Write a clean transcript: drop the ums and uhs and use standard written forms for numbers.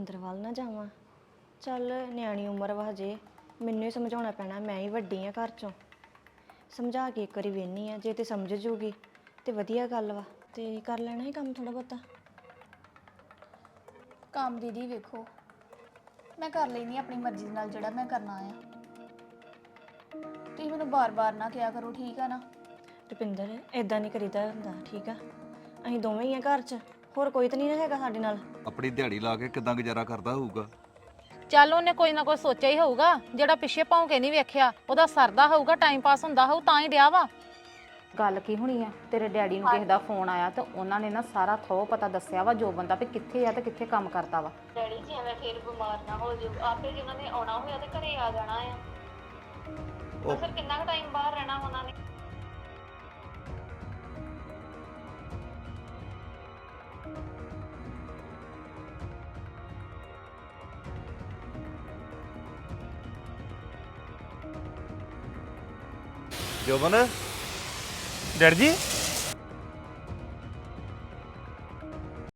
ਰੁਪਿੰਦਰ ਵੱਲ ਨਾ ਜਾਵਾਂ। ਚੱਲ ਨਿਆਣੀ ਉਮਰ ਵਾ ਹਜੇ, ਮੈਨੂੰ ਹੀ ਸਮਝਾਉਣਾ ਪੈਣਾ, ਮੈਂ ਹੀ ਵੱਡੀ ਆ ਘਰ ਚੋਂ। ਸਮਝਾ ਕੇ ਇੱਕ ਵਾਰੀ ਵੇਖਨੀ ਆ, ਜੇ ਤੇ ਸਮਝ ਜੂਗੀ ਤੇ ਵਧੀਆ ਗੱਲ ਵਾ। ਤੇ ਕਰ ਲੈਣਾ ਹੀ ਕੰਮ ਥੋੜਾ ਬਹੁਤਾ। ਕੰਮ ਦੀਦੀ ਵੇਖੋ ਮੈਂ ਕਰ ਲੈਣੀ ਆਪਣੀ ਮਰਜ਼ੀ ਦੇ ਨਾਲ ਜਿਹੜਾ ਮੈਂ ਕਰਨਾ ਆ। ਤੁਸੀਂ ਮੈਨੂੰ ਬਾਰ-ਬਾਰ ਨਾ ਕਿਹਾ ਕਰੋ, ਠੀਕ ਆ ਨਾ? ਰੁਪਿੰਦਰ ਇਦਾਂ ਨਹੀਂ ਕਰੀਦਾ ਹੁੰਦਾ, ਠੀਕ ਆ? ਅਸੀਂ ਦੋਵੇਂ ਹੀ ਆ ਘਰ 'ਚ, ਹੋਰ ਕੋਈ ਤਾਂ ਨਹੀਂ ਹੈਗਾ ਸਾਡੇ ਨਾਲ। ਆਪਣੀ ਦਿਹਾੜੀ ਲਾ ਕੇ ਕਿਦਾਂ ਗੁਜ਼ਾਰਾ ਕਰਦਾ ਹੋਊਗਾ? ਚੱਲ ਉਹਨੇ ਕੋਈ ਨਾ ਕੋਈ ਸੋਚਿਆ ਹੀ ਹੋਊਗਾ, ਜਿਹੜਾ ਪਿੱਛੇ ਭੌਂਕੇ ਨਹੀਂ ਵੇਖਿਆ, ਉਹਦਾ ਸਰਦਾ ਹੋਊਗਾ, ਟਾਈਮ ਪਾਸ ਹੁੰਦਾ ਹੋਊ, ਤਾਂ ਹੀ ਡਿਆ ਵਾ। ਗੱਲ ਕੀ ਹੋਣੀ ਆ, ਤੇਰੇ ਡੈਡੀ ਨੂੰ ਕਿਸੇ ਦਾ ਫੋਨ ਆਇਆ ਤੇ ਉਹਨਾਂ ਨੇ ਨਾ ਸਾਰਾ ਥੋ ਪਤਾ ਦੱਸਿਆ ਵਾ ਜੋ ਬੰਦਾ ਵੀ ਕਿੱਥੇ ਆ ਤੇ ਕਿੱਥੇ ਕੰਮ ਕਰਦਾ ਵਾ। ਡੈਡੀ ਜੀ ਐਵੇਂ ਫੇਰ ਬਿਮਾਰ ਨਾ ਹੋ ਜਾਓ, ਆਪੇ ਜੀ ਉਹਨਾਂ ਨੇ ਆਉਣਾ ਹੋਇਆ ਤੇ ਘਰੇ ਆ ਜਾਣਾ ਆ। ਉਹ ਫਿਰ ਕਿੰਨਾ ਕੁ ਟਾਈਮ ਬਾਹਰ ਰਹਿਣਾ ਉਹਨਾਂ ਨੇ? ਜੋਬਨ ਡੈਡੀ ਜੀ